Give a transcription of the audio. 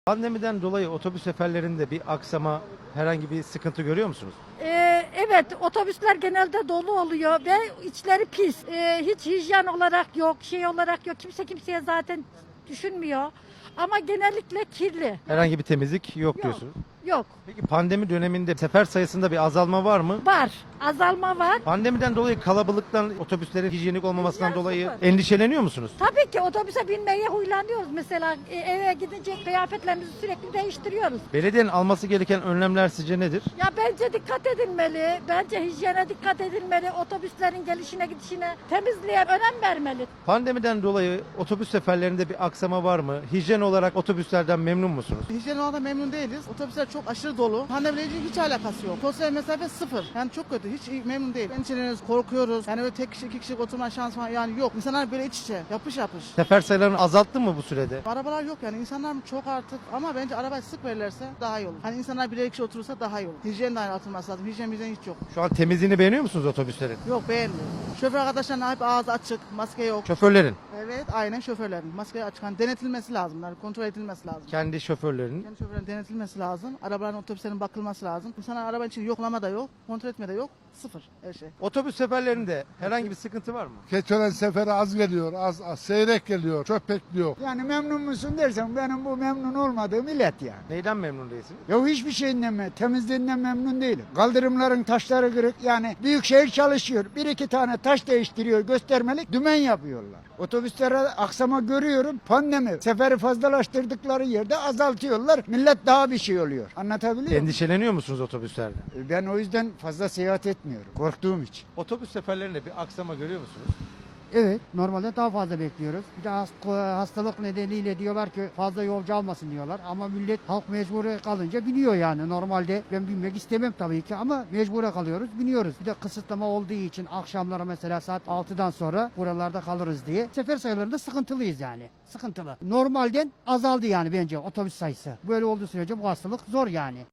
Pandemiden dolayı otobüs seferlerinde bir aksama, herhangi bir sıkıntı görüyor musunuz? Evet, otobüsler genelde dolu oluyor ve içleri pis. Hiç hijyen olarak yok, şey olarak yok. Kimse kimseye zaten düşünmüyor. Ama genellikle kirli. Herhangi bir temizlik yok Yok. diyorsunuz. Yok. Peki pandemi döneminde sefer sayısında bir azalma var mı? Var. Azalma var. Pandemiden dolayı kalabalıktan, otobüslerin hijyenik olmamasından Hijyen dolayı sıfır. endişeleniyor musunuz? Tabii ki otobüse binmeye huylanıyoruz. Mesela eve gidince kıyafetlerimizi sürekli değiştiriyoruz. Belediyenin alması gereken önlemler sizce nedir? Ya bence dikkat edilmeli. Bence hijyene dikkat edilmeli. Otobüslerin gelişine gidişine, temizliğe önem vermeli. Pandemiden dolayı otobüs seferlerinde bir aksama var mı? Hijyen olarak otobüslerden memnun musunuz? Hijyen olarak memnun değiliz. Otobüsler çok aşırı dolu. Pandemiyle ilgili hiç alakası yok. Sosyal mesafe sıfır. Yani çok kötü. Hiç memnun değil. Endişeleniyoruz, korkuyoruz. Yani öyle tek kişi, iki kişi oturma şansı falan yani yok. İnsanlar böyle iç içe, yapış yapış. Sefer sayılarını azalttı mı bu sürede? Arabalar yok yani. İnsanlar çok artık ama bence arabayı sık verirlerse daha iyi olur. Hani insanlar birer kişi oturursa daha iyi olur. Hijyen de aynı atılması lazım. Hijyen bizden hiç yok. Şu an temizliğini beğeniyor musunuz otobüslerin? Yok beğenmiyorum. Şoför arkadaşlarına hep ağzı açık, maske yok. Şoförlerin, Evet aynen şoförlerin. Maske açık. Hani denetilmesi lazım. Yani kontrol edilmesi lazım. kendi şoförlerinin. Yani şoförlerin denetilmesi lazım. Arabaların, otobüslerin bakılması lazım. İnsanlar araba için yoklama da yok, kontrol etme de yok. Sıfır her şey. Otobüs seferlerinde herhangi bir sıkıntı var mı? Keçören seferi az geliyor, az seyrek geliyor, çok bekliyor. Yani memnun musun dersen benim bu memnun olmadığım illet yani. Neyden memnun değilsiniz? Ya hiçbir şeyinden temizliğinden memnun değilim. Kaldırımların taşları kırık yani büyükşehir çalışıyor. Bir iki tane taş değiştiriyor göstermelik dümen yapıyorlar. Otobüslere aksama görüyorum pandemi. Seferi fazlalaştırdıkları yerde azaltıyorlar. Millet daha bir şey oluyor. Anlatabiliyor muyum? Endişeleniyor musunuz otobüslerde? Ben o yüzden fazla seyahat etmiyorum. Korktuğum için. Otobüs seferlerinde bir aksama görüyor musunuz? Evet, normalde daha fazla bekliyoruz. Bir de hastalık nedeniyle diyorlar ki fazla yolcu almasın diyorlar. Ama millet halk mecburi kalınca biniyor yani. Normalde ben binmek istemem tabii ki ama mecbure kalıyoruz, biniyoruz. Bir de kısıtlama olduğu için akşamlara mesela saat 6'dan sonra buralarda kalırız diye. Sefer sayılarında sıkıntılıyız yani. Sıkıntılı. Normalden azaldı yani bence otobüs sayısı. Böyle olduğu sürece bu hastalık zor yani.